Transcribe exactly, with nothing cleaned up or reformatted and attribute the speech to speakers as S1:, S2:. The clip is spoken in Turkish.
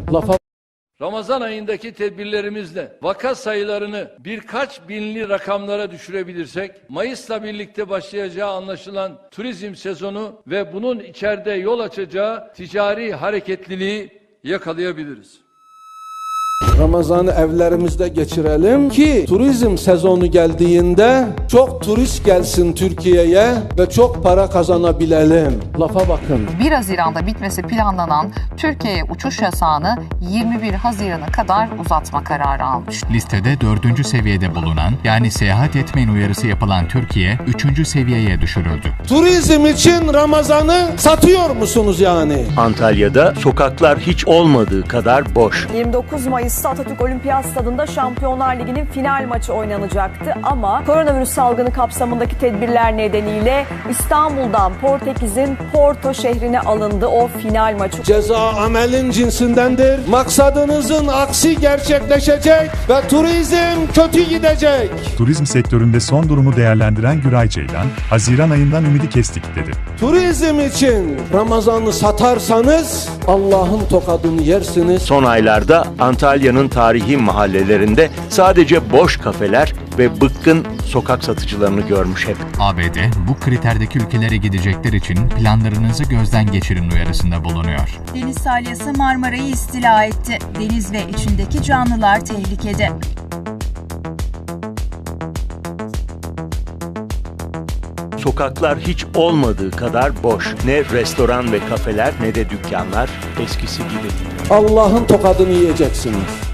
S1: Lafa
S2: Ramazan ayındaki tedbirlerimizle vaka sayılarını birkaç binli rakamlara düşürebilirsek, Mayıs'la birlikte başlayacağı anlaşılan turizm sezonu ve bunun içeride yol açacağı ticari hareketliliği yakalayabiliriz.
S1: Ramazan'ı evlerimizde geçirelim ki turizm sezonu geldiğinde çok turist gelsin Türkiye'ye ve çok para kazanabilelim. Lafa bakın.
S3: bir Haziran'da bitmesi planlanan Türkiye'ye uçuş yasağını yirmi bir Haziran'a kadar uzatma kararı almış.
S4: Listede dördüncü seviyede bulunan, yani seyahat etmeyin uyarısı yapılan Türkiye, üçüncü seviyeye düşürüldü.
S1: Turizm için Ramazan'ı satıyor musunuz yani?
S5: Antalya'da sokaklar hiç olmadığı kadar boş.
S6: yirmi dokuz Mayıs'ta Atatürk Olimpiyat Stadı'nda Şampiyonlar Ligi'nin final maçı oynanacaktı ama koronavirüs salgını kapsamındaki tedbirler nedeniyle İstanbul'dan Portekiz'in Porto şehrine alındı o final maçı.
S1: Ceza amelin cinsindendir. Maksadınızın aksi gerçekleşecek ve turizm kötü gidecek.
S7: Turizm sektöründe son durumu değerlendiren Güray Ceylan, Haziran ayından ümidi kestik dedi.
S1: Turizm için Ramazan'ı satarsanız Allah'ın tokadını yersiniz.
S5: Son aylarda Antalya'nın tarihi mahallelerinde sadece boş kafeler ve bıkkın sokak satıcılarını görmüş hep.
S4: A B D, bu kriterdeki ülkelere gidecekler için planlarınızı gözden geçirin uyarısında bulunuyor.
S8: Deniz salyası Marmara'yı istila etti. Deniz ve içindeki canlılar tehlikede.
S5: Sokaklar hiç olmadığı kadar boş. Ne restoran ve kafeler ne de dükkanlar eskisi gibi.
S1: Allah'ın tokadını yiyeceksiniz.